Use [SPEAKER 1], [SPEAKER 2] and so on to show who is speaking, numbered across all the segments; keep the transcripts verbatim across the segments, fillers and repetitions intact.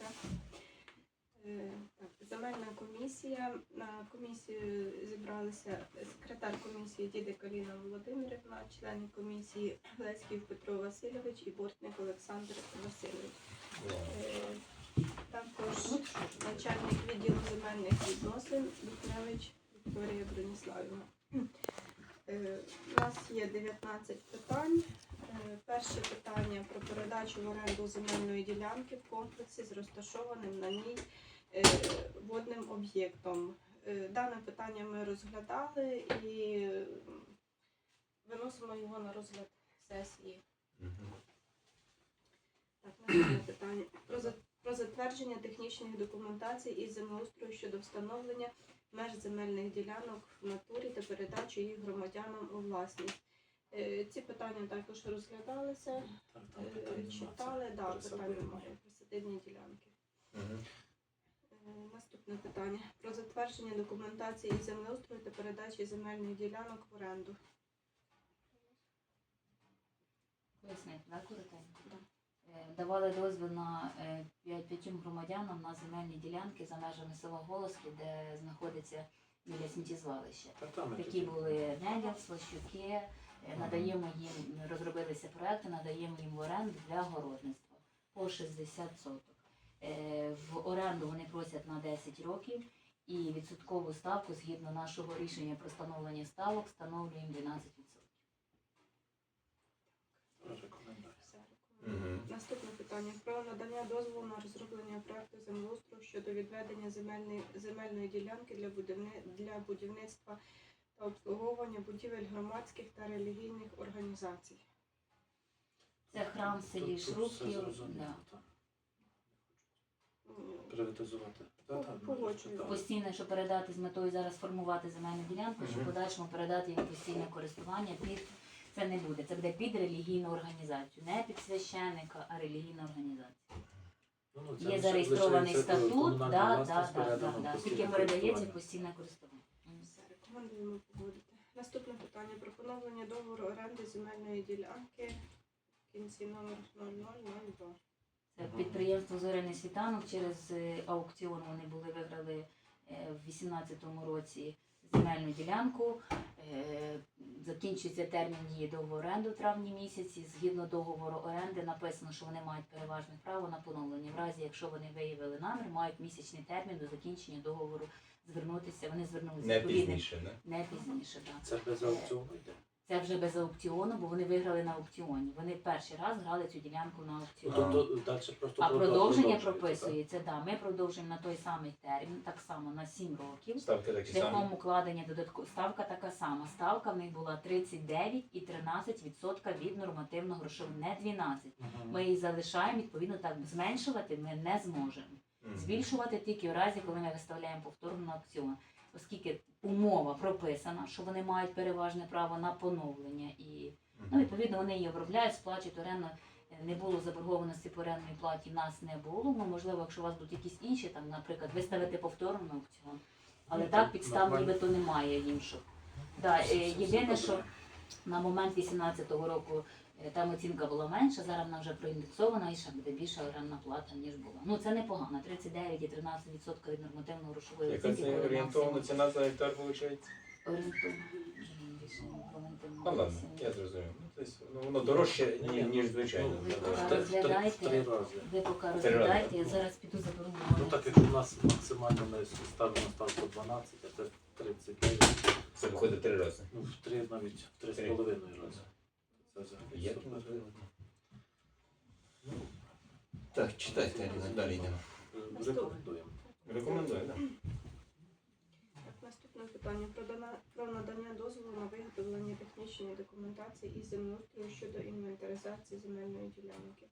[SPEAKER 1] За. Е, Так, земельна комісія. На комісію зібралися секретар комісії Дідик Аліна Володимирівна, члени комісії Леськів Петро Васильович і Бортник Олександр Васильович. Е, Також начальник відділу земельних відносин Духневич Вікторія Броніславівна. Е, У нас є дев'ятнадцять питань. Е, Перше питання про передачу в оренду земельної ділянки в комплексі з розташованим на ній е, водним об'єктом. Е, Дане питання ми розглядали і виносимо його на розгляд сесії. Так, наступне питання. Про за- Про затвердження технічних документацій із землеустрою щодо встановлення меж земельних ділянок в натурі та передачу їх громадянам у власність. Е, Ці питання також розглядалися,
[SPEAKER 2] Так, там
[SPEAKER 1] е,
[SPEAKER 2] питань
[SPEAKER 1] читали, да,
[SPEAKER 2] нема, це
[SPEAKER 1] питання
[SPEAKER 2] присадибні.
[SPEAKER 1] немає, присадибні ділянки.
[SPEAKER 3] Угу.
[SPEAKER 1] Е, Наступне питання. Про затвердження документації із землеустрою та передачі земельних ділянок в оренду.
[SPEAKER 4] Пояснити, да, коротенько?
[SPEAKER 1] Да.
[SPEAKER 4] Е, Давали дозвіл на е, п'ять- п'ятьом громадянам на земельні ділянки за межами села Голоски, де знаходиться біля сміттєзвалища.
[SPEAKER 2] Так, там ми
[SPEAKER 4] Такі
[SPEAKER 2] тоді-
[SPEAKER 4] були Неділ, Слащуки, е, надаємо їм, розробилися проекти, надаємо їм в оренду для городництва по шістдесят соток. Е, В оренду вони просять на десять років і відсоткову ставку, згідно нашого рішення про встановлення ставок, встановлюємо дванадцять відсотків.
[SPEAKER 2] Рекомендую.
[SPEAKER 1] Все, рекомендую.
[SPEAKER 3] Мгм.
[SPEAKER 1] Наступне питання. Про надання дозволу на розроблення проекту землеустрою щодо відведення земельної, земельної ділянки для, будівни, для будівництва та обслуговування будівель громадських та релігійних організацій.
[SPEAKER 4] Це храм в селі
[SPEAKER 2] Тут- тут все
[SPEAKER 4] Шрубків.
[SPEAKER 2] зрозуміло,
[SPEAKER 4] Да.
[SPEAKER 2] так.
[SPEAKER 1] М,
[SPEAKER 2] Приватизувати. Та, та, ну,
[SPEAKER 1] Погоджую.
[SPEAKER 2] так.
[SPEAKER 4] Постійно, щоб передати з метою зараз формувати земельну ділянку, щоб
[SPEAKER 3] Мгм.
[SPEAKER 4] в подальшому передати їм постійне користування під це не буде. Це буде під релігійну організацію, не під священника, а релігійна організація.
[SPEAKER 2] Ну, ну, це
[SPEAKER 4] Є
[SPEAKER 2] лише-
[SPEAKER 4] зареєстрований
[SPEAKER 2] лишається
[SPEAKER 4] статут,
[SPEAKER 2] комунальна
[SPEAKER 4] да, да,
[SPEAKER 2] власність,
[SPEAKER 4] да, да,
[SPEAKER 2] передано
[SPEAKER 4] да.
[SPEAKER 2] постійне
[SPEAKER 4] Тільки передається
[SPEAKER 2] користування.
[SPEAKER 4] постійне користування.
[SPEAKER 1] Все, рекомендуємо погодити. Наступне питання. Про поновлення договору оренди земельної ділянки в кінці номер нуль нуль нуль два.
[SPEAKER 4] Це підприємство Зоряний світанок через е, аукціон вони були виграли е, в вісімнадцятому році земельну ділянку. Е, Закінчується термін дії договору оренди в травні місяці. Згідно договору оренди написано, що вони мають переважне право на поновлення. В разі, якщо вони виявили намір, мають місячний термін до закінчення договору звернутися. Вони звернулися
[SPEAKER 3] Не
[SPEAKER 4] відповідним-
[SPEAKER 3] пізніше, не?
[SPEAKER 4] Не пізніше, так.
[SPEAKER 2] Це без аукціону йде.
[SPEAKER 4] Це вже без аукціону, бо вони виграли на аукціоні. Вони перший раз грали цю ділянку на
[SPEAKER 2] Ну,
[SPEAKER 4] аукціоні.
[SPEAKER 2] тобто далі просто
[SPEAKER 4] А продовження
[SPEAKER 2] продовжується,
[SPEAKER 4] прописується, да. Ми продовжуємо на той самий термін, так само на сім років.
[SPEAKER 3] Ставки такі
[SPEAKER 4] Шляхом
[SPEAKER 3] самі.
[SPEAKER 4] укладення додатково ставка така сама. Ставка в них була тридцять дев'ять і тринадцять відсотків від нормативного грошового, не дванадцять.
[SPEAKER 2] так? Мгм.
[SPEAKER 4] Ми її залишаємо, відповідно, так зменшувати ми не зможемо.
[SPEAKER 3] Мгм.
[SPEAKER 4] Збільшувати тільки в разі, коли ми виставляємо повторно на аукціон. Оскільки умова прописана, що вони мають переважне право на поновлення і ну, відповідно вони її обробляють, сплачують оренду. Не було заборгованості по орендній платі, в нас не було. Ну, можливо, якщо у вас будуть якісь інші, там, наприклад, виставити повторно на аукціон. Але
[SPEAKER 2] Ну,
[SPEAKER 4] так
[SPEAKER 2] так,
[SPEAKER 4] підстав
[SPEAKER 2] нормально.
[SPEAKER 4] нібито немає інших. Да,
[SPEAKER 2] Все-
[SPEAKER 4] е,
[SPEAKER 2] все-
[SPEAKER 4] єдине,
[SPEAKER 2] все
[SPEAKER 4] що
[SPEAKER 2] добре.
[SPEAKER 4] на момент вісімнадцятого року е, там оцінка була менша, зараз вона вже проіндексована і ще буде більша орендна плата, ніж була. Ну це непогано. тридцять дев'ять і тринадцять відсотків від нормативно грошової
[SPEAKER 3] Яка
[SPEAKER 4] оцінки.
[SPEAKER 3] це
[SPEAKER 4] коли
[SPEAKER 3] орієнтовна
[SPEAKER 4] максимум.
[SPEAKER 3] ціна за гектар виходить?
[SPEAKER 4] Орієнтовно. Більше не пам'ятаю.
[SPEAKER 3] Ну ладно, я зрозумів. Ну, тобто, ну, воно дорожче, ні- ніж звичайно.
[SPEAKER 2] Ну,
[SPEAKER 4] Ви
[SPEAKER 2] в
[SPEAKER 4] поки
[SPEAKER 2] три- в три- в
[SPEAKER 4] розглядайте.
[SPEAKER 2] три рази.
[SPEAKER 4] Ви поки
[SPEAKER 3] Три
[SPEAKER 4] розглядайте,
[SPEAKER 3] рази.
[SPEAKER 4] я зараз піду заберу.
[SPEAKER 2] Ну так, якщо у нас максимально ми ставимо ставку дванадцять, а це тридцять дев'ять,
[SPEAKER 3] Це виходить три рази.
[SPEAKER 2] ну в три навіть в три з
[SPEAKER 3] Три.
[SPEAKER 2] половиною рази. Це взагалі
[SPEAKER 3] Є
[SPEAKER 2] супер.
[SPEAKER 3] можливо.
[SPEAKER 2] Ну,
[SPEAKER 3] Так, читайте, Аліна, далі йдемо.
[SPEAKER 2] е, Рекомендуємо.
[SPEAKER 3] Рекомендую, так?
[SPEAKER 1] Так, наступне питання. Про, дана- про надання дозволу на виготовлення технічної документації із землеустрою щодо інвентаризації земельної ділянки.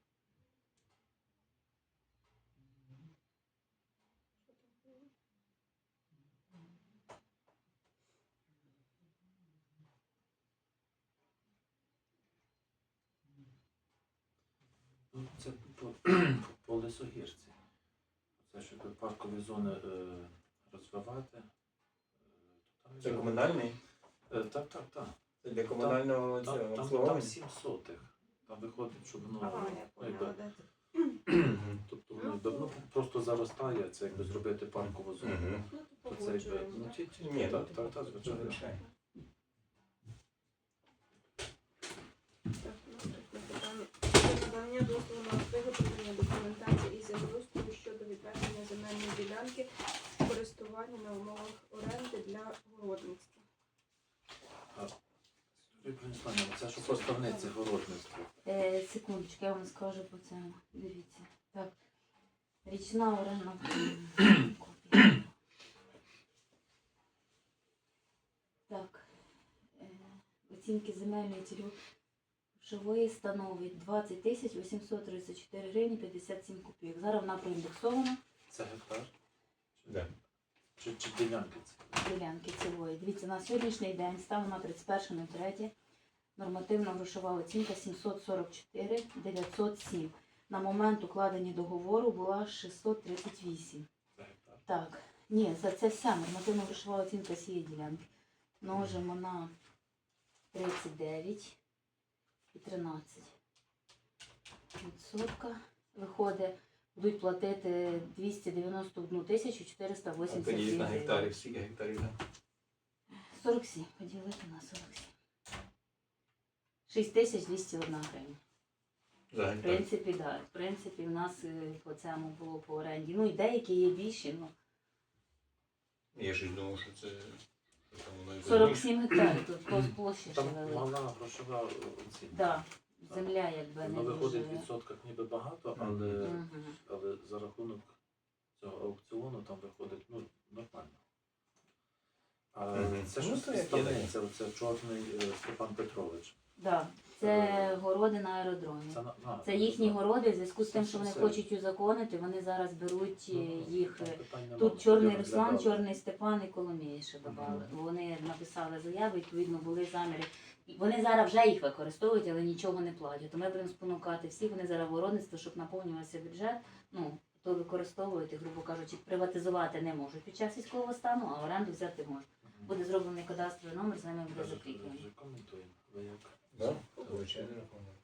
[SPEAKER 2] Ну, це по, по лісогірці. Це щоб паркові зони е, розвивати. Е, то там
[SPEAKER 3] Це
[SPEAKER 2] є-
[SPEAKER 3] комунальний?
[SPEAKER 2] Е, так, так, так.
[SPEAKER 3] Це для комунального
[SPEAKER 2] Там,
[SPEAKER 3] цього
[SPEAKER 2] там, там
[SPEAKER 3] обслуговування?
[SPEAKER 2] сім сотих. Там виходить, щоб воно
[SPEAKER 1] Ага, я
[SPEAKER 2] ну, якби,
[SPEAKER 1] поняла, де це.
[SPEAKER 3] Мгм.
[SPEAKER 2] тобто воно якби, ну, просто позаростає, це якби зробити паркову зону.
[SPEAKER 3] Мгм.
[SPEAKER 1] Ну, то
[SPEAKER 2] То це якби,
[SPEAKER 1] погоджуємо.
[SPEAKER 2] ну, ті, ті,
[SPEAKER 3] Ні,
[SPEAKER 2] так,
[SPEAKER 3] ну,
[SPEAKER 2] так, так, звичайно.
[SPEAKER 3] Звичайно.
[SPEAKER 1] Так, наступне питання. Про надання дозволу на виготовлення документації і землеустрою щодо відведення земельної ділянки в користування на умовах оренди для городництва.
[SPEAKER 2] Юрій Брониславівна, це що поставниці городництва.
[SPEAKER 4] Е, секундочку, я вам скажу по цьому. Дивіться. Так. Річна оренда. Копія. Так. Е, оцінки земельної цільової становить двадцять тисяч вісімсот тридцять чотири гривні п'ятдесят сім копійок. Зараз вона проіндексована.
[SPEAKER 2] Це гектар?
[SPEAKER 3] Да.
[SPEAKER 2] Чи, чи ділянки це?
[SPEAKER 4] Ділянки цілої. Дивіться, на сьогоднішній день станом на тридцять перше третє нормативна грошова оцінка сімсот сорок чотири дев'ятсот сім. На момент укладення договору була шістсот тридцять вісім.
[SPEAKER 2] Це гектар.
[SPEAKER 4] Так, ні, за це вся нормативна грошова оцінка цієї ділянки. Множимо на тридцять дев'ять і тринадцять відсотка. Виходить, будуть платити двісті дев'яносто одну тисячу чотириста
[SPEAKER 3] А
[SPEAKER 4] вісімдесят
[SPEAKER 3] поділіть на
[SPEAKER 4] гривень.
[SPEAKER 3] гектарів, скільки гектарів там?
[SPEAKER 4] сорок сім. Поділити на сорок сім. шість тисяч двісті одна гривня.
[SPEAKER 3] За
[SPEAKER 4] В
[SPEAKER 3] гектар.
[SPEAKER 4] принципі, так. В принципі, в нас е, по цьому було по оренді. Ну і деякі є більші, ну
[SPEAKER 3] Я щось думав, що це що там воно і
[SPEAKER 4] сорок сім гектарів, тут по площі ще
[SPEAKER 2] Там
[SPEAKER 4] велика.
[SPEAKER 2] мала грошова оцінка.
[SPEAKER 4] Да, земля якби не
[SPEAKER 2] Воно виходить в
[SPEAKER 4] дуже.
[SPEAKER 2] відсотках ніби багато, але,
[SPEAKER 4] Мгм.
[SPEAKER 2] але за рахунок цього аукціону там виходить ну, нормально. А
[SPEAKER 3] Мгм.
[SPEAKER 2] це
[SPEAKER 3] Ну,
[SPEAKER 2] що
[SPEAKER 3] це як
[SPEAKER 2] ставниця, це чорний е, Степан Петрович.
[SPEAKER 4] Да, це городи на аеродромі.
[SPEAKER 2] Це, на- на,
[SPEAKER 4] Це їхні
[SPEAKER 2] на-
[SPEAKER 4] городи, в зв'язку з тим, що вони
[SPEAKER 2] Це-
[SPEAKER 4] хочуть узаконити, вони зараз беруть е,
[SPEAKER 2] Ну,
[SPEAKER 4] їх.
[SPEAKER 2] там
[SPEAKER 4] е,
[SPEAKER 2] питань нема,
[SPEAKER 4] Тут
[SPEAKER 2] ми
[SPEAKER 4] Чорний
[SPEAKER 2] тоді
[SPEAKER 4] Руслан,
[SPEAKER 2] розглядали.
[SPEAKER 4] Чорний Степан і Коломіє ще додали.
[SPEAKER 2] Мгм.
[SPEAKER 4] Вони написали заяви, відповідно, були заміри. І Вони зараз вже їх використовують, але нічого не платять. То ми будемо спонукати всіх, вони зараз городництво, щоб наповнювався бюджет. Ну, то використовують, і, грубо кажучи, приватизувати не можуть під час військового стану, а оренду взяти можуть.
[SPEAKER 2] Мгм.
[SPEAKER 4] Буде зроблений кадастровий номер, з ними буде
[SPEAKER 2] Вже-
[SPEAKER 4] закріплений.
[SPEAKER 2] вже коментуємо. Ви як?
[SPEAKER 3] Да? Звичайно, рахунок.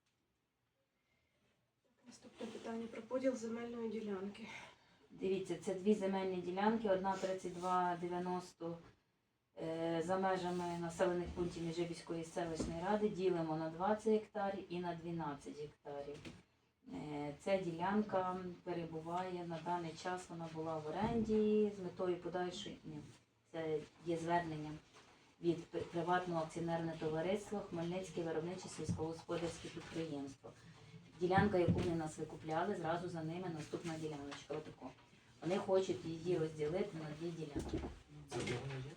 [SPEAKER 1] Наступне питання про поділ земельної ділянки.
[SPEAKER 4] Дивіться, це дві земельні ділянки, одна тридцять два дев'яносто е, за межами населених пунктів Міжибіської селищної ради ділимо на двадцять гектарів і на дванадцять гектарів. Е, Ця ділянка перебуває на даний час, вона була в оренді з метою подальшої. Ні, це є звернення від пи- приватного акціонерного товариства Хмельницьке виробниче сільськогосподарське підприємство. Ділянка, яку вони нас викупляли, зразу за ними наступна діляночка. Отако. Вони хочуть її розділити на дві ділянки.
[SPEAKER 2] Це де воно є?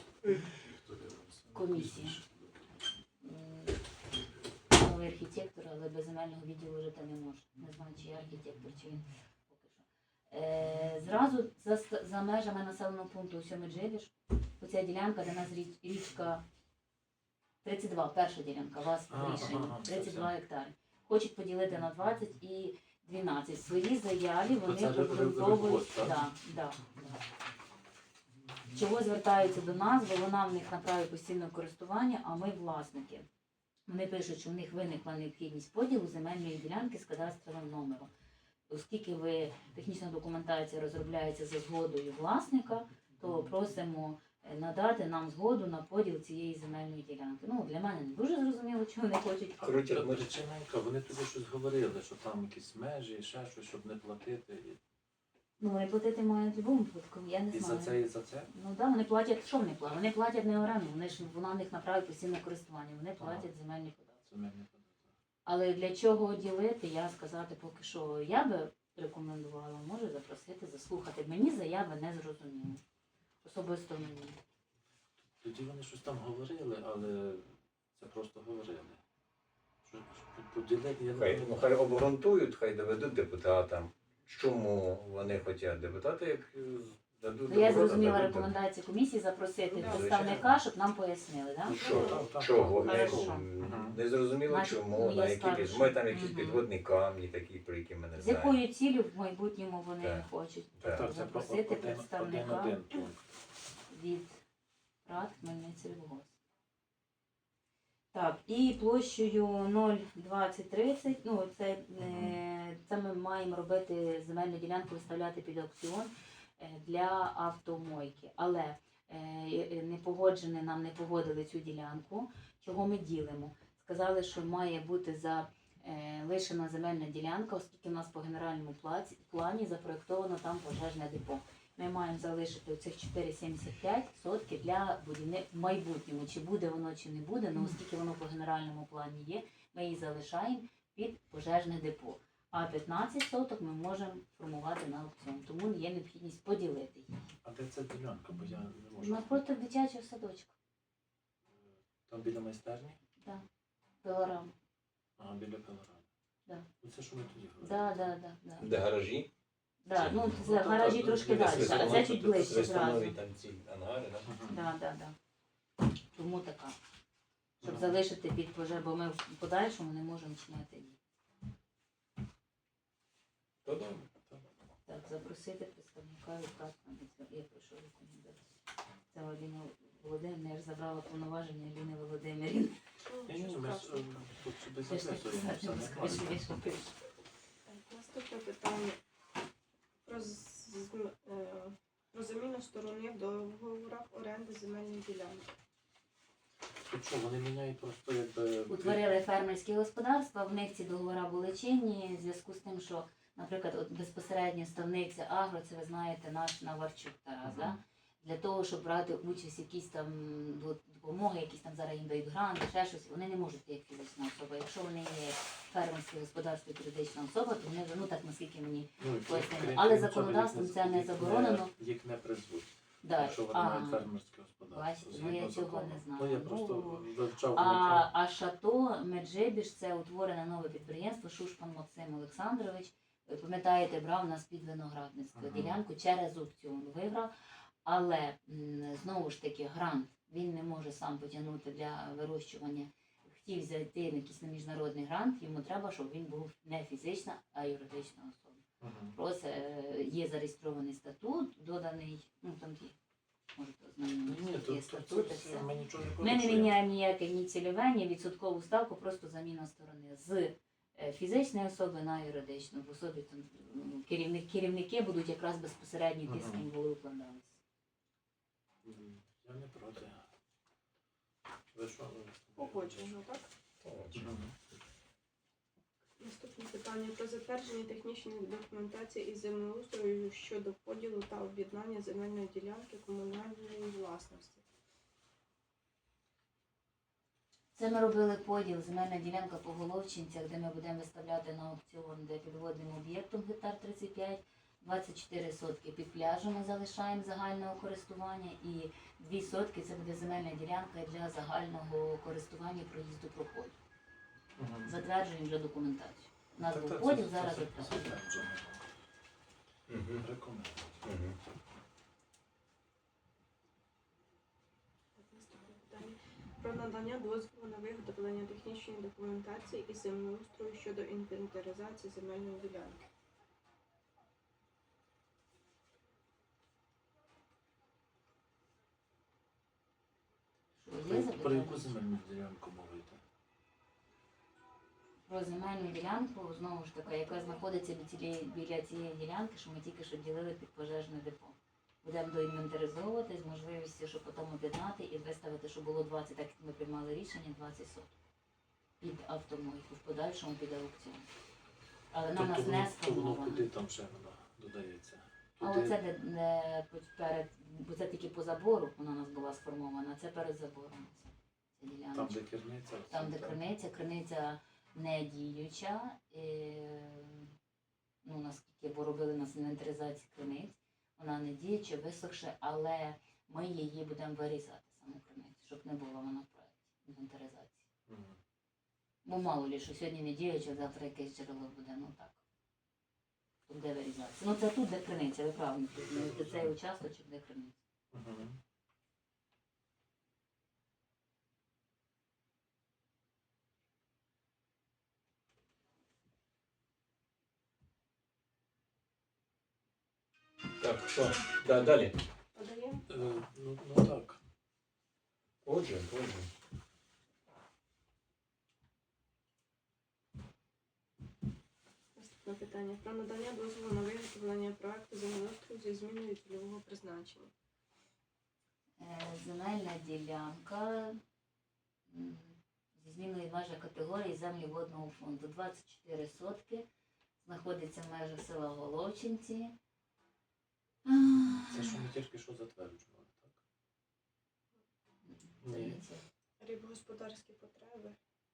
[SPEAKER 4] Комісія. М, Новий архітектор, але без земельного відділу жити не може. Не знаю, чи є архітектор, чи він поки що. Е, зразу за, ст- за межами населеного пункту Сьомиджибіж, оця ділянка, де у нас річ- річка тридцять два, перша ділянка, у вас
[SPEAKER 2] Ага,
[SPEAKER 4] в рішенні,
[SPEAKER 2] ага,
[SPEAKER 4] тридцять два
[SPEAKER 2] це
[SPEAKER 4] гектари. Хочуть поділити на двадцять і дванадцять. В своїй заяві вони
[SPEAKER 2] це ри- ри-
[SPEAKER 4] обґрунтовують.
[SPEAKER 2] рибгосп, так?
[SPEAKER 4] Да, да, да. Чого звертаються до нас, бо вона в них на праві постійного користування, а ми власники. Вони пишуть, що в них виникла необхідність поділу земельної ділянки з кадастровим номером. Оскільки ви технічна документація розробляється за згодою власника, то просимо е, надати нам згоду на поділ цієї земельної ділянки. Ну, для мене не дуже зрозуміло, чого вони хочуть.
[SPEAKER 2] А
[SPEAKER 3] Коротше,
[SPEAKER 2] при-
[SPEAKER 3] ми-
[SPEAKER 2] причина яка? Вони тобі щось говорили, що там якісь межі, ще щось, щоб не платити. І,
[SPEAKER 4] Ну, вони платити мають в будь-якому випадку, я не
[SPEAKER 2] і за
[SPEAKER 4] знаю.
[SPEAKER 2] це, і за це?
[SPEAKER 4] Ну так, да, вони платять, що вони платять? Вони платять не оренду, вони ж вона в них на праві постійного користування, вони платять земельні податки.
[SPEAKER 2] Це мені не
[SPEAKER 4] Але для чого ділити, я сказати поки що я би рекомендувала, може запросити, заслухати. Мені заяви не зрозуміло. Особисто мені.
[SPEAKER 2] Тоді вони щось там говорили, але це просто говорили. Що, що поділити, я не
[SPEAKER 3] Хай, ну,
[SPEAKER 2] знаю.
[SPEAKER 3] хай обґрунтують, хай доведуть депутатам, чому вони хочуть. Депутати, як е, дадуть
[SPEAKER 4] Ну, я
[SPEAKER 3] добро,
[SPEAKER 4] зрозуміла
[SPEAKER 3] дадуть
[SPEAKER 4] рекомендацію комісії запросити
[SPEAKER 1] Да,
[SPEAKER 4] представника,
[SPEAKER 3] звичайно.
[SPEAKER 4] щоб нам пояснили, так?
[SPEAKER 3] Ну,
[SPEAKER 4] Да?
[SPEAKER 3] що,
[SPEAKER 2] Так, так,
[SPEAKER 3] чого?
[SPEAKER 2] так.
[SPEAKER 3] Не,
[SPEAKER 4] Хорошо.
[SPEAKER 3] не зрозуміло
[SPEAKER 4] Значить,
[SPEAKER 3] чому,
[SPEAKER 4] я
[SPEAKER 3] на які
[SPEAKER 4] скажу,
[SPEAKER 3] під...
[SPEAKER 4] що-
[SPEAKER 3] Ми там якісь
[SPEAKER 4] Мгм.
[SPEAKER 3] підводні камні такі, про які ми не
[SPEAKER 4] З
[SPEAKER 3] знаємо.
[SPEAKER 4] якою ціллю в майбутньому вони
[SPEAKER 3] Так.
[SPEAKER 4] хочуть
[SPEAKER 3] Так.
[SPEAKER 2] Так, це про
[SPEAKER 4] запросити
[SPEAKER 2] один,
[SPEAKER 4] представника
[SPEAKER 2] один, один пункт.
[SPEAKER 4] від РАД Хмельницький Рибогос. Так, і площею нуль двадцять тридцять, ну це, е, це ми маємо робити земельну ділянку, виставляти під аукціон е, для автомойки. Але е, не погоджені, нам не погодили цю ділянку, чого ми ділимо. Сказали, що має бути за е, лишена земельна ділянка, оскільки в нас по генеральному плаці- плані запроєктовано там пожежне депо. Ми маємо залишити цих чотири сімдесят п'ять сотки для будівництва в майбутньому. Чи буде воно, чи не буде, але оскільки воно по генеральному плані є, ми її залишаємо під пожежне депо. А п'ятнадцять соток ми можемо формувати на аукціон. Тому є необхідність поділити її.
[SPEAKER 2] А де ця ділянка? Бо я не можу.
[SPEAKER 4] Навпроти дитячого садочка.
[SPEAKER 2] Там біля майстерні?
[SPEAKER 4] Так. Пилорама.
[SPEAKER 2] Ага, біля пилорами.
[SPEAKER 4] Да.
[SPEAKER 2] Ну це що ми тоді говорили?
[SPEAKER 4] Да, да, да, да.
[SPEAKER 3] Де гаражі?
[SPEAKER 4] Да, ну,
[SPEAKER 2] Ну,
[SPEAKER 4] це
[SPEAKER 2] так,
[SPEAKER 4] гаражі
[SPEAKER 2] так,
[SPEAKER 4] трошки
[SPEAKER 2] біля
[SPEAKER 4] далі, а
[SPEAKER 2] свистуна,
[SPEAKER 4] це чуть
[SPEAKER 2] тут
[SPEAKER 4] ближче зразу.
[SPEAKER 3] Свистунові там ці ангари, так?
[SPEAKER 2] Мгм.
[SPEAKER 4] Да, да, да. Тому така. Щоб залишити під пожежу, бо ми в подальшому не можемо чиняти її.
[SPEAKER 3] То добре.
[SPEAKER 4] Так, запросити представника від КАС на відповідь. Я прошу рекомендацію. Це Аліна Володимирівна, я ж забрала повноваження Аліни Володимирівни.
[SPEAKER 2] Я не знаю, ми ж е, тут собі
[SPEAKER 4] Я ж так
[SPEAKER 2] записуємо
[SPEAKER 4] писати
[SPEAKER 2] все
[SPEAKER 4] не скажу,
[SPEAKER 2] нормально.
[SPEAKER 4] я що пишу.
[SPEAKER 1] Так, наступне питання про, з- з- е, про заміну сторони в договорах оренди земельної ділянки.
[SPEAKER 2] Тут що, вони міняють просто якби...
[SPEAKER 4] Утворили фермерські господарства, в них ці договори були чинні, в зв'язку з тим, що, наприклад, от безпосередньо ставниця Агро, це ви знаєте, наш Наварчук Тарас,
[SPEAKER 2] Мгм.
[SPEAKER 4] да? Для того, щоб брати участь в якісь там до- допомоги, якісь там зараз їм дають гранти, ще щось, вони не можуть як фізична особа. Якщо вони є фермерське господарство, юридична особа, то вони, ну так наскільки мені
[SPEAKER 2] Ну, і
[SPEAKER 4] пояснили.
[SPEAKER 2] крім-
[SPEAKER 4] Але
[SPEAKER 2] крім цього,
[SPEAKER 4] законодавством
[SPEAKER 2] їх
[SPEAKER 4] це не
[SPEAKER 2] їх
[SPEAKER 4] заборонено.
[SPEAKER 2] Їх не призвуть,
[SPEAKER 4] да.
[SPEAKER 2] якщо вони
[SPEAKER 4] а,
[SPEAKER 2] мають фермерське господарство.
[SPEAKER 4] бачите, ну,
[SPEAKER 2] згідно
[SPEAKER 4] я цього
[SPEAKER 2] закону.
[SPEAKER 4] не знала.
[SPEAKER 2] Ну, я
[SPEAKER 4] Ну,
[SPEAKER 2] просто вивчав,
[SPEAKER 4] А,
[SPEAKER 2] вивчав.
[SPEAKER 4] а Шато Меджибіж це утворене нове підприємство, Шушпан Максим Олександрович. Ви пам'ятаєте, брав нас під виноградництво
[SPEAKER 2] Ага.
[SPEAKER 4] ділянку через аукціон виграв. Але м, знову ж таки грант він не може сам потягнути для вирощування. Хотів зайти на якийсь на міжнародний грант, йому треба, щоб він був не фізична, а юридична особа.
[SPEAKER 2] Мгм.
[SPEAKER 4] Просто е, є зареєстрований статут, доданий, ну там є, можете
[SPEAKER 2] Ні,
[SPEAKER 4] ознайомитися,
[SPEAKER 2] ні,
[SPEAKER 4] є
[SPEAKER 2] тут, тут,
[SPEAKER 4] статути,
[SPEAKER 2] тут
[SPEAKER 4] все.
[SPEAKER 2] ми нічого не
[SPEAKER 4] Ми не
[SPEAKER 2] порушуємо.
[SPEAKER 4] міняємо ніяке ні цільове, ні відсоткову ставку, просто заміна сторони з е, фізичної особи на юридичну. В особі там м, керівник, керівники будуть якраз безпосередньо ті, з ким були укладалися.
[SPEAKER 2] М, Я не проти. Ви що?
[SPEAKER 1] Погоджено, так?
[SPEAKER 2] Мгм.
[SPEAKER 1] Наступне питання про затвердження технічної документації із землеустрою щодо поділу та об'єднання земельної ділянки комунальної власності.
[SPEAKER 4] Це ми робили поділ, земельна ділянка по Головчинцях, де ми будемо виставляти на аукціон, де під водним об'єктом гектар тридцять п'ять, двадцять чотири сотки під пляжем ми залишаємо загального користування і дві сотки це буде земельна ділянка для загального користування проїзду проходу.
[SPEAKER 2] Мгм.
[SPEAKER 4] Затверджуємо вже документацію. У нас
[SPEAKER 2] Так,
[SPEAKER 4] був
[SPEAKER 2] так,
[SPEAKER 4] поділ,
[SPEAKER 2] це-
[SPEAKER 4] зараз
[SPEAKER 2] це- це
[SPEAKER 4] затверджуємо.
[SPEAKER 2] затверджено.
[SPEAKER 3] Мгм.
[SPEAKER 2] Рекомендую.
[SPEAKER 3] Мгм.
[SPEAKER 1] Так, наступне питання про надання дозволу на виготовлення технічної документації із землеустрою щодо інвентаризації земельної ділянки.
[SPEAKER 4] Що, є
[SPEAKER 2] Про, про
[SPEAKER 4] запитання?
[SPEAKER 2] яку земельну ділянку мова йде?
[SPEAKER 4] Про земельну ділянку, знову ж таки, яка знаходиться біля цієї, біля цієї ділянки, що ми тільки що ділили під пожежне депо. Будемо доінвентаризовувати з можливістю, щоб потім об'єднати і виставити, щоб було двадцять, так як ми приймали рішення, двадцять соток. Під автомойку, в подальшому під аукціон. Але на нас
[SPEAKER 2] Тобто
[SPEAKER 4] не
[SPEAKER 2] воно, то воно
[SPEAKER 4] сформовано.
[SPEAKER 2] куди там ще воно додається?
[SPEAKER 4] А
[SPEAKER 2] Туди?
[SPEAKER 4] оце де, де перед, бо це тільки по забору вона у нас була сформована, це перед забором. Це, це діляночка.
[SPEAKER 2] Там, де керниця?
[SPEAKER 4] Там, де
[SPEAKER 2] це-
[SPEAKER 4] криниця, криниця не діюча. Е, ну, наскільки, бо робили нас інвентаризацію криниць, вона не діюча, висохше, але ми її будемо вирізати, саму криницю, щоб не було вона в проєкті інвентаризації.
[SPEAKER 2] Мгм.
[SPEAKER 4] Бо мало ли, що сьогодні не діюча, завтра якесь джерело буде, ну так. Тут де вирізатися. Ну це тут, де криниця, ви правильно, тут не цей участочок, де криниця.
[SPEAKER 2] Мгм.
[SPEAKER 3] Так, що? Да, далі.
[SPEAKER 1] Подаємо?
[SPEAKER 2] Е, ну, ну так.
[SPEAKER 3] Отже, отже.
[SPEAKER 1] Наступне питання про надання дозволу на виготовлення проекту землеустрою зі зміною цільового призначення.
[SPEAKER 4] Е, Земельна ділянка м, зі зміною межа категорії землі водного фонду. двадцять чотири сотки. Знаходиться в межах села Головчинці.
[SPEAKER 2] Це що ми тільки що затверджували, так? Ні.
[SPEAKER 4] Здається,
[SPEAKER 1] Рибогосподарські потреби.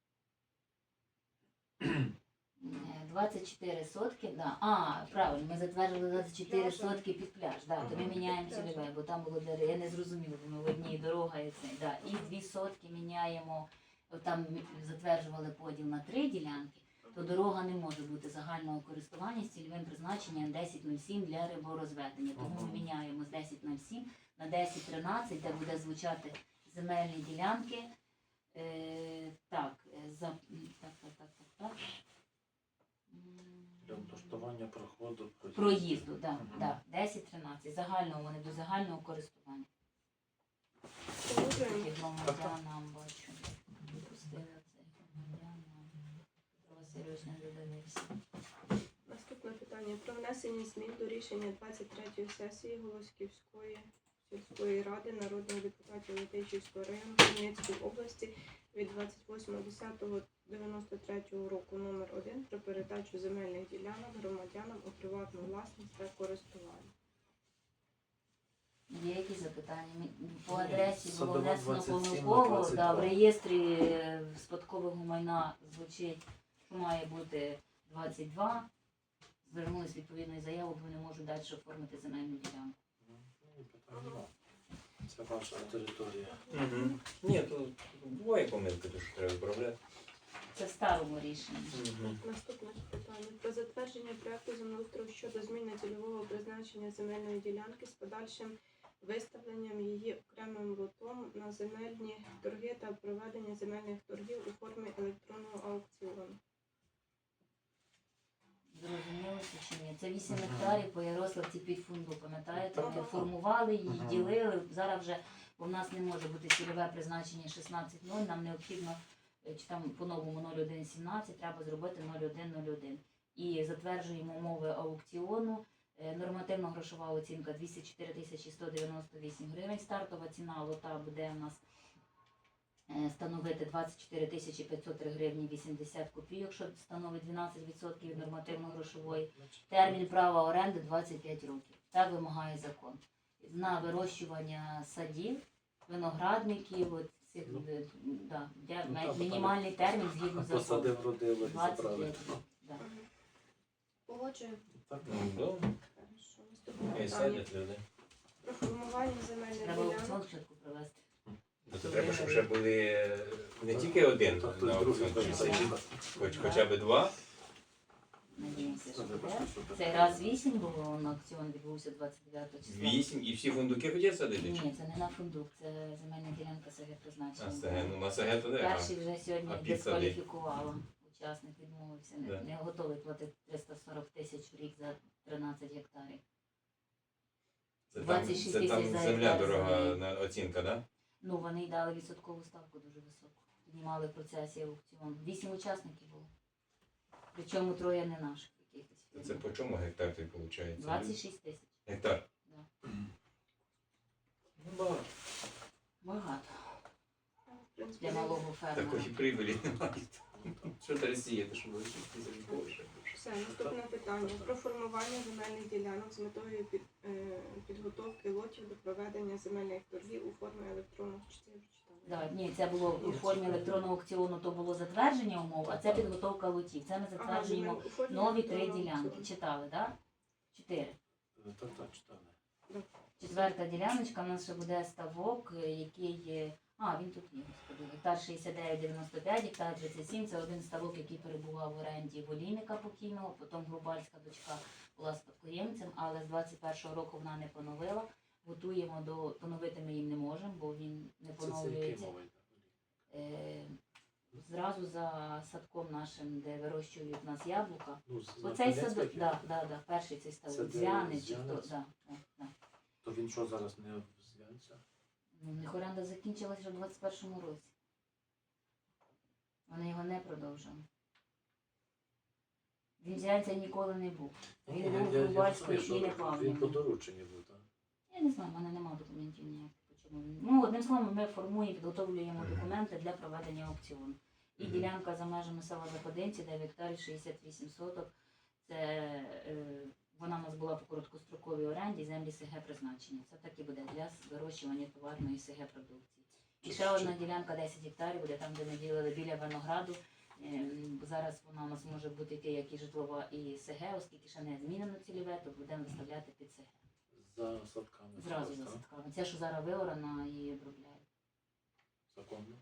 [SPEAKER 4] е, двадцять чотири сотки, да. А, правильно, ми затвердили двадцять чотири
[SPEAKER 1] Пляжем.
[SPEAKER 4] сотки під пляж, да, то ми
[SPEAKER 1] Ага,
[SPEAKER 4] міняємо
[SPEAKER 1] під пляжем.
[SPEAKER 4] цільове, бо там було для я не зрозуміла, бо ми в одній дорога і це. Да. І дві сотки міняємо, от там ми затверджували поділ на три ділянки, то дорога не може бути загального користування з цільовим призначенням десять нуль сім для риборозведення. Тому ми
[SPEAKER 2] Ага.
[SPEAKER 4] міняємо з десять нуль сім на десять тринадцять, де буде звучати земельні ділянки. Е, так, е, за, так, так, так, так, так. М,
[SPEAKER 2] Для облаштування проходу проїзду.
[SPEAKER 4] Проїзду, так,
[SPEAKER 2] Мгм.
[SPEAKER 4] да, десять тринадцять. Загального вони до загального користування.
[SPEAKER 1] Погоджуємо.
[SPEAKER 4] Тільки громадянам бачу. Допустили це громадянам. Петро Васильович не додивився.
[SPEAKER 1] Наступне питання про внесення змін до рішення двадцять третьої сесії Голосківської сільської ради народних депутатів Летичівського району Хмельницької області від двадцять восьмого десятого дев'яносто третього року номер один про передачу земельних ділянок громадянам у приватну власність та користування.
[SPEAKER 4] Є якісь запитання? Мі- По адресі було
[SPEAKER 2] Садова
[SPEAKER 4] внесено
[SPEAKER 2] двадцять сім на
[SPEAKER 4] помилково,
[SPEAKER 2] двадцять
[SPEAKER 4] да, в
[SPEAKER 2] два.
[SPEAKER 4] реєстрі е, спадкового майна звучить, що має бути двадцять два. Звернулись відповідною заявою, бо не можуть далі оформити земельну ділянку.
[SPEAKER 2] Ну, питань нема. Це ваша територія.
[SPEAKER 3] Угу. Ні, то буває помилки, то що треба виправляти.
[SPEAKER 4] Це в старому рішенні.
[SPEAKER 3] Угу.
[SPEAKER 1] Наступне питання про затвердження проекту землеустрою щодо зміни цільового призначення земельної ділянки з подальшим виставленням її окремим лотом на земельні торги та проведення земельних торгів у формі електронного аукціону.
[SPEAKER 4] Зрозуміло це чи ні? Це вісім
[SPEAKER 2] Мгм.
[SPEAKER 4] гектарів по Ярославці під фунду, пам'ятаєте? Ми
[SPEAKER 1] Ага.
[SPEAKER 4] формували її,
[SPEAKER 2] Мгм.
[SPEAKER 4] ділили. Зараз вже у нас не може бути цільове призначення шістнадцять нуль, нам необхідно е, чи там по-новому нуль один сімнадцять, треба зробити нуль один нуль один. І затверджуємо умови аукціону. Е, Нормативно-грошова оцінка двісті чотири тисячі сто дев'яносто вісім гривень. Стартова ціна лота буде у нас е, становити двадцять чотири тисячі п'ятсот три гривні вісімдесят копійок, що становить дванадцять відсотків від нормативно-грошової. Термін права оренди двадцять п'ять років. Так вимагає закон. На вирощування садів, виноградників, от цих,
[SPEAKER 2] Ну,
[SPEAKER 4] е, да, я-
[SPEAKER 2] ну, так,
[SPEAKER 4] мінімальний термін згідно закону.
[SPEAKER 2] Посадив, родило і
[SPEAKER 4] двадцять
[SPEAKER 2] забрали.
[SPEAKER 4] п'ять років. Да.
[SPEAKER 1] Погоджуємо.
[SPEAKER 2] Так,
[SPEAKER 3] Ну, добре.
[SPEAKER 1] Хорошо. Наступне
[SPEAKER 3] І
[SPEAKER 1] питання
[SPEAKER 3] садять люди.
[SPEAKER 1] про формування земельних
[SPEAKER 4] Треба аукціон
[SPEAKER 1] ділянок.
[SPEAKER 4] спочатку провести.
[SPEAKER 3] Ну, то треба, щоб вже були не тільки один
[SPEAKER 2] Тобто
[SPEAKER 3] на
[SPEAKER 2] другий
[SPEAKER 3] аукціон,
[SPEAKER 2] теж
[SPEAKER 3] чи
[SPEAKER 2] заїхав.
[SPEAKER 3] хоч, хоча б два.
[SPEAKER 4] Надіємося, що
[SPEAKER 2] Це
[SPEAKER 4] буде.
[SPEAKER 2] вибачте, що таке.
[SPEAKER 4] Цей раз вісім було, на аукціон відбувся двадцять дев'ятого числа.
[SPEAKER 3] Вісім і всі фундуки хотять садити?
[SPEAKER 4] Ні, це не на фундук, це земельна ділянка СГ
[SPEAKER 3] А
[SPEAKER 4] призначення.
[SPEAKER 3] саге, ну на саге то не.
[SPEAKER 4] Перший вже сьогодні
[SPEAKER 3] А підсади?
[SPEAKER 4] дискваліфікувала. Учасник відмовився, не,
[SPEAKER 3] Да.
[SPEAKER 4] не готовий платити триста сорок тисяч в рік за тринадцять гектарів.
[SPEAKER 3] Це там,
[SPEAKER 4] двадцять шість
[SPEAKER 3] це там
[SPEAKER 4] тисяч за
[SPEAKER 3] земля
[SPEAKER 4] гектар
[SPEAKER 3] дорога
[SPEAKER 4] землі.
[SPEAKER 3] на оцінка, так?
[SPEAKER 4] Ну, вони й дали відсоткову ставку дуже високу. Піднімали в процесі аукціону. Вісім учасників було. Причому троє не наших якихось.
[SPEAKER 3] Да? Це по чому гектар ти виходить?
[SPEAKER 4] двадцять шість тисяч.
[SPEAKER 3] Гектар.
[SPEAKER 2] Ну, багато.
[SPEAKER 4] Багато.
[SPEAKER 1] В принципі,
[SPEAKER 4] Для малого фермера.
[SPEAKER 3] Такої прибилі немає. Що ти розсіяти, щоб ви шість тисяч більше?
[SPEAKER 1] все, наступне питання про формування земельних ділянок з метою під, е, підготовки лотів до проведення земельних торгів у формі електронних чтів.
[SPEAKER 4] Да, ні, це було у формі електронного аукціону, то було затвердження умов, а це підготовка лотів. Це ми затверджуємо нові три ділянки. Читали, так? Да? Чотири.
[SPEAKER 2] Так, так, читали.
[SPEAKER 4] Четверта діляночка, в нас ще буде ставок, е, який є. А, він тут є. господи. Гектар шістдесят дев'ять дев'яносто п'ять, гектар тридцять сім. Це один ставок, який перебував в оренді волійника покійного. Потім Грубальська дочка була спадкоємцем, але з двадцять першого року вона не поновила. Готуємо до поновити ми їм не можемо, бо він не
[SPEAKER 2] Це це який
[SPEAKER 4] поновлюється.
[SPEAKER 2] мова йде?
[SPEAKER 4] Е, Зразу за садком нашим, де вирощують у нас яблука.
[SPEAKER 2] Ну, з-
[SPEAKER 4] Оцей
[SPEAKER 2] Запорізька
[SPEAKER 4] садок,
[SPEAKER 2] є?
[SPEAKER 4] да, да, да, перший цей
[SPEAKER 2] Це
[SPEAKER 4] ставок.
[SPEAKER 2] де
[SPEAKER 4] Зв'яни чи хто.
[SPEAKER 2] Зв'янець?
[SPEAKER 4] Да, да, да.
[SPEAKER 2] То він що зараз не в Зв'янцях?
[SPEAKER 4] Ну, в них оренда закінчилася вже в двадцять першому році. Вони його не продовжили. Вінзянця ніколи не був.
[SPEAKER 2] Ні,
[SPEAKER 4] Він
[SPEAKER 2] я-
[SPEAKER 4] був
[SPEAKER 2] я- я
[SPEAKER 4] Рубальської
[SPEAKER 2] розумію,
[SPEAKER 4] і
[SPEAKER 2] що
[SPEAKER 4] не
[SPEAKER 2] Він по
[SPEAKER 4] Павлівни.
[SPEAKER 2] дорученню був, так?
[SPEAKER 4] Я не знаю, в мене немає документів ніяких. по чому він. Ну, одним словом, ми формуємо, підготовлюємо документи для проведення аукціону. І
[SPEAKER 3] Мгм.
[SPEAKER 4] ділянка за межами села Заходинці, дев'ять гектарів, шістдесят вісім соток. Це е, вона у нас була по короткостроковій оренді, землі СГ призначення. Це так і буде для вирощування товарної СГ продукції. І ще одна ділянка десять гектарів буде там, де ми ділили біля винограду. Ем, Зараз вона у нас може бути таке, як і житлова, і СГ, оскільки ще не змінено цільове, то будемо виставляти під СГ.
[SPEAKER 2] За садками.
[SPEAKER 4] Зразу за
[SPEAKER 2] так?
[SPEAKER 4] садками. Це, що зараз виорана і обробляє.
[SPEAKER 2] Законно.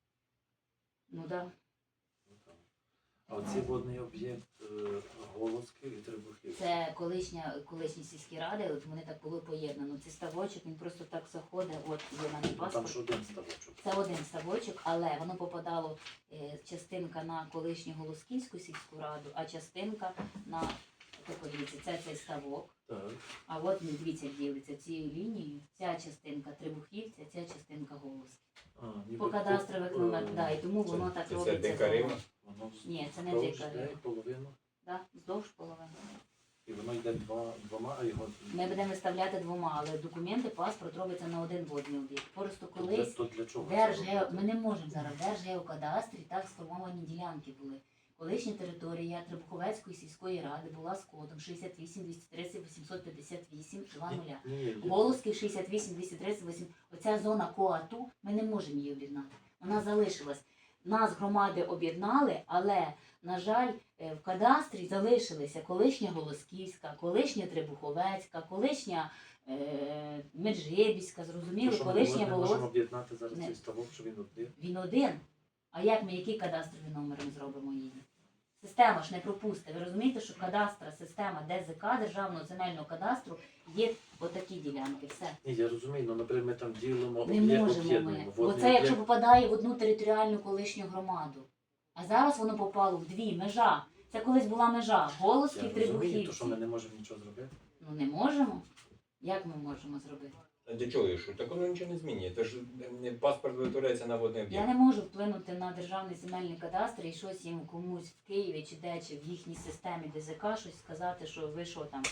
[SPEAKER 4] Ну так. Да.
[SPEAKER 2] Ну, так. А оцей водний об'єкт е, Голосків і Требухів.
[SPEAKER 4] Це колишня, колишні сільські ради, от вони так було поєднано. Це ставочок, він просто так заходить, от є в мене
[SPEAKER 2] Ну, там
[SPEAKER 4] паспорт.
[SPEAKER 2] ж один ставочок.
[SPEAKER 4] Це один ставочок, але воно попадало е, частинка на колишню Голосківську сільську раду, а частинка на так, от дивіться, це цей ставок.
[SPEAKER 2] Так.
[SPEAKER 4] А от не дивіться, як ділиться цією лінією. Ця частинка Трибухівця, ця частинка Голосків.
[SPEAKER 2] А, ніби
[SPEAKER 4] По кадастрових
[SPEAKER 2] по-
[SPEAKER 4] номерах,
[SPEAKER 2] е,
[SPEAKER 4] да, і тому
[SPEAKER 3] це-
[SPEAKER 4] воно так
[SPEAKER 3] це
[SPEAKER 4] робиться.
[SPEAKER 3] декарів?
[SPEAKER 4] знову.
[SPEAKER 2] Воно
[SPEAKER 4] Ні, це не
[SPEAKER 2] вздовж
[SPEAKER 4] декарів.
[SPEAKER 2] йде половину.
[SPEAKER 4] Да, вздовж половини.
[SPEAKER 2] І воно йде два, двома, а його...
[SPEAKER 4] Ми будемо виставляти двома, але документи, паспорт робиться на один водний об'єкт. Просто
[SPEAKER 2] То для,
[SPEAKER 4] колись
[SPEAKER 2] то для чого? це
[SPEAKER 4] Держгео...
[SPEAKER 2] робити?
[SPEAKER 4] ми не можемо зараз. В Держгеокадастрі так сформовані ділянки були. Колишня територія Требуховецької сільської ради була з кодом шістдесят вісім двісті тридцять вісімсот п'ятдесят вісім два нуля.
[SPEAKER 2] Ні, ні, ні.
[SPEAKER 4] Голосків шістдесят вісім двісті тридцять вісім. Оця зона КОАТу, ми не можемо її об'єднати. Вона залишилась. Нас громади об'єднали, але, на жаль, е, в кадастрі залишилися колишня Голосківська, колишня Требуховецька, колишня е, Меджибіська,
[SPEAKER 2] То
[SPEAKER 4] зрозуміло,
[SPEAKER 2] що, ми
[SPEAKER 4] колишня
[SPEAKER 2] не можемо
[SPEAKER 4] Володь.
[SPEAKER 2] об'єднати зараз
[SPEAKER 4] Не.
[SPEAKER 2] цей ставок, що він один?
[SPEAKER 4] Він один. А як ми, який кадастровий номер ми зробимо її? Система ж не пропустить. Ви розумієте, що кадастра, система ДЗК, Державного земельного кадастру, є отакі ділянки. Все.
[SPEAKER 2] Ні, я розумію, ну, наприклад, ми там ділимо,
[SPEAKER 4] Не
[SPEAKER 2] об'є-
[SPEAKER 4] можемо
[SPEAKER 2] об'єднуємо.
[SPEAKER 4] ми.
[SPEAKER 2] Водний
[SPEAKER 4] Оце якщо
[SPEAKER 2] об'єкт.
[SPEAKER 4] попадає в одну територіальну колишню громаду. А зараз воно попало в дві, межа. Це колись була межа.
[SPEAKER 2] Я
[SPEAKER 4] Голосків,
[SPEAKER 2] розумію, то
[SPEAKER 4] Трибухівці.
[SPEAKER 2] що ми не можемо нічого зробити.
[SPEAKER 4] Ну не можемо. Як ми можемо зробити?
[SPEAKER 3] А для чого що? Так воно нічого не змінює. Тож е, паспорт виготовляється на водний
[SPEAKER 4] Я
[SPEAKER 3] об'єкт.
[SPEAKER 4] не можу вплинути на державний земельний кадастр і щось їм комусь в Києві чи де, чи в їхній системі ДЗК щось сказати, що ви що там.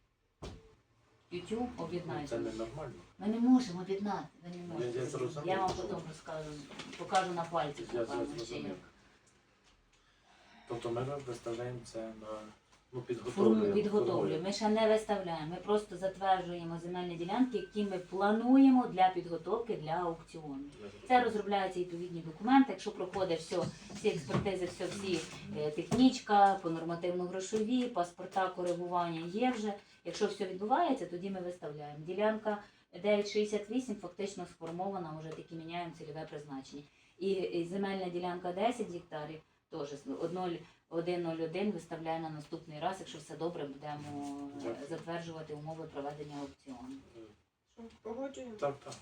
[SPEAKER 4] Тютю
[SPEAKER 2] Ну, це
[SPEAKER 4] об'єднаєте.
[SPEAKER 2] ненормально.
[SPEAKER 4] Ми не можемо об'єднати. Ви не
[SPEAKER 2] Я-
[SPEAKER 4] можете.
[SPEAKER 2] я зрозумів,
[SPEAKER 4] Я вам
[SPEAKER 2] що-
[SPEAKER 4] потім розкажу, покажу на пальці.
[SPEAKER 2] Я
[SPEAKER 4] покажу, чи
[SPEAKER 2] зрозумів.
[SPEAKER 4] як.
[SPEAKER 2] Тобто ми виставляємо це на ну,
[SPEAKER 4] Форму
[SPEAKER 2] підготовлюємо.
[SPEAKER 4] підготовлюємо.
[SPEAKER 2] формуємо.
[SPEAKER 4] Ми ще не виставляємо. Ми просто затверджуємо земельні ділянки, які ми плануємо для підготовки для аукціону.
[SPEAKER 2] Я
[SPEAKER 4] Це
[SPEAKER 2] зрозумів.
[SPEAKER 4] розробляються відповідні документи. Якщо проходить все, всі експертизи, все, всі е, технічка, по нормативно-грошові, паспорта, коригування є вже. Якщо все відбувається, тоді ми виставляємо. Ділянка дев'ять шістдесят вісім фактично сформована, вже тільки міняємо цільове призначення. І, і земельна ділянка десять гектарів теж один нуль один виставляє на наступний раз, якщо все добре, будемо е,
[SPEAKER 2] Дякую.
[SPEAKER 4] затверджувати умови проведення аукціону.
[SPEAKER 1] Що, погоджуємо?
[SPEAKER 2] Так, так.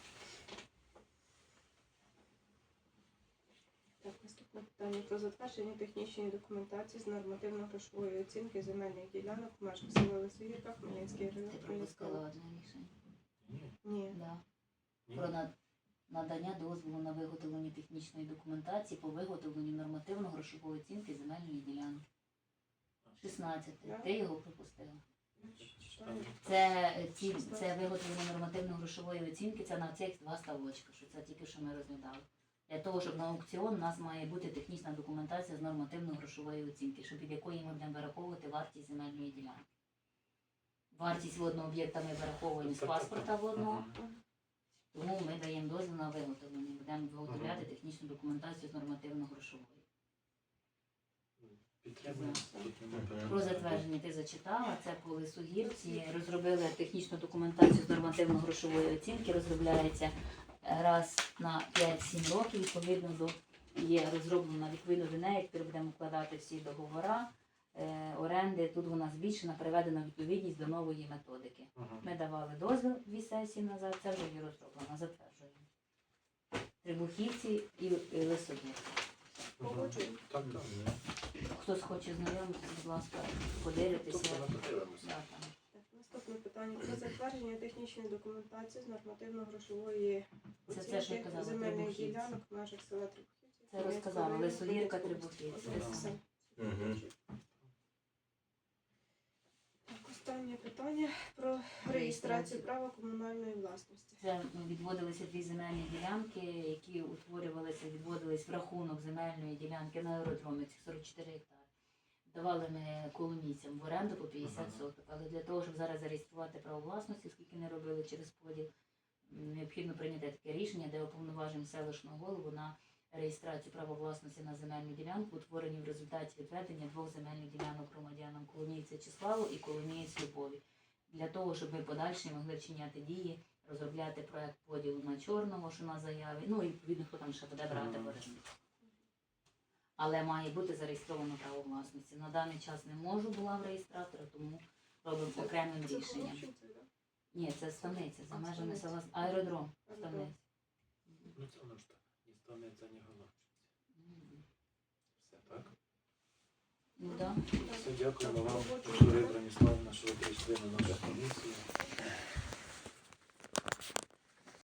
[SPEAKER 1] Так, наступне питання про затвердження технічної документації з нормативно-грошової оцінки земельних ділянок в межах села Лисогірка, Хмельницький
[SPEAKER 4] Ти
[SPEAKER 1] район.
[SPEAKER 4] пропустила одне рішення.
[SPEAKER 2] Ні,
[SPEAKER 1] Ні.
[SPEAKER 4] Да.
[SPEAKER 2] ні.
[SPEAKER 4] Про над- надання дозволу на виготовлення технічної документації по виготовленню нормативно-грошової оцінки земельної ділянки. шістнадцяте.
[SPEAKER 1] Да.
[SPEAKER 4] Ти його пропустила.
[SPEAKER 1] Читаю.
[SPEAKER 4] Це, е, ці, це виготовлення нормативно-грошової оцінки, це на цих два ставочка, що це тільки що ми розглядали. Для того, щоб на аукціон у нас має бути технічна документація з нормативно-грошової оцінки, щоб від якої ми будемо вираховувати вартість земельної ділянки. Вартість водного об'єкта ми вираховуємо з
[SPEAKER 2] Так, так, так.
[SPEAKER 4] паспорта водного.
[SPEAKER 2] Мгм.
[SPEAKER 4] Тому ми даємо дозвіл на виготовлення. Будемо виготовляти технічну документацію з нормативно-грошової.
[SPEAKER 2] Підтримуємо. Тут немає питань.
[SPEAKER 4] Про затвердження ти зачитала. Це по Лисогірці. Розробили технічну документацію з нормативно-грошової оцінки. Розробляється раз на п'ять-сім років. Відповідно до є розроблена відповідно до неї. Тепер будемо вкладати всі договори е, оренди. Тут вона збільшена, приведена відповідність до нової методики.
[SPEAKER 2] Мгм.
[SPEAKER 4] Ми давали дозвіл дві сесії назад, це вже є розроблено, затверджуємо. Трибухівці і, і Лисогірці.
[SPEAKER 1] Погоджуємо.
[SPEAKER 2] Так, так.
[SPEAKER 4] Хтось хоче знайомитися, будь ласка, подивитися.
[SPEAKER 2] Тобто ми подивимося.
[SPEAKER 4] Да, там.
[SPEAKER 1] Так, наступне питання про затвердження технічної документації з нормативно-грошової
[SPEAKER 4] Це те, що я
[SPEAKER 1] оцінки
[SPEAKER 4] казала,
[SPEAKER 1] земельних
[SPEAKER 4] Трибухівці.
[SPEAKER 1] ділянок в межах села Трибухівці.
[SPEAKER 4] Це розказала,
[SPEAKER 1] Хмельницького району,
[SPEAKER 4] Лисогірка,
[SPEAKER 1] Хмельницької області.
[SPEAKER 4] Трибухівці.
[SPEAKER 1] Ось це все.
[SPEAKER 3] Мгм.
[SPEAKER 1] Останнє питання про реєстрацію
[SPEAKER 4] Реєстрацію.
[SPEAKER 1] права комунальної власності.
[SPEAKER 4] Це ну, відводилися дві земельні ділянки, які утворювалися, відводились в рахунок земельної ділянки на аеродромі, цих сорок чотири гектари. Давали ми коломійцям в оренду по п'ятдесят
[SPEAKER 2] Ага.
[SPEAKER 4] соток. Але для того, щоб зараз зареєструвати право власності, оскільки не робили через поділ, м, необхідно прийняти таке рішення, де уповноважимо селищного голову на реєстрацію права власності на земельну ділянку, утворені в результаті відведення двох земельних ділянок громадянам Коломійця Числаву і Коломієць Любові. Для того, щоб ми подальше могли вчиняти дії, розробляти проект поділу на чорного, що на заяві, ну і відповідно, хто там ще буде брати в оренду. Але має бути зареєстровано право власності. На даний час не можу була в реєстратора, тому робимо окремим
[SPEAKER 1] Це
[SPEAKER 4] рішенням.
[SPEAKER 1] Холодчинці, да?
[SPEAKER 4] Ні, це ставниця, за
[SPEAKER 1] А,
[SPEAKER 4] межами
[SPEAKER 1] Ставниця.
[SPEAKER 4] села аеродром.
[SPEAKER 1] Аеродром.
[SPEAKER 4] Ставниця.
[SPEAKER 2] Ну це воно ж так. Ні ставниця, ні головчиця.
[SPEAKER 4] Мгм.
[SPEAKER 2] Все так.
[SPEAKER 4] Ну так.
[SPEAKER 2] Все, дякуємо
[SPEAKER 1] Так,
[SPEAKER 2] вам,
[SPEAKER 1] робочу
[SPEAKER 2] Вікторія
[SPEAKER 1] групу.
[SPEAKER 2] Броніславівна, що ви прийшли на нашу комісію.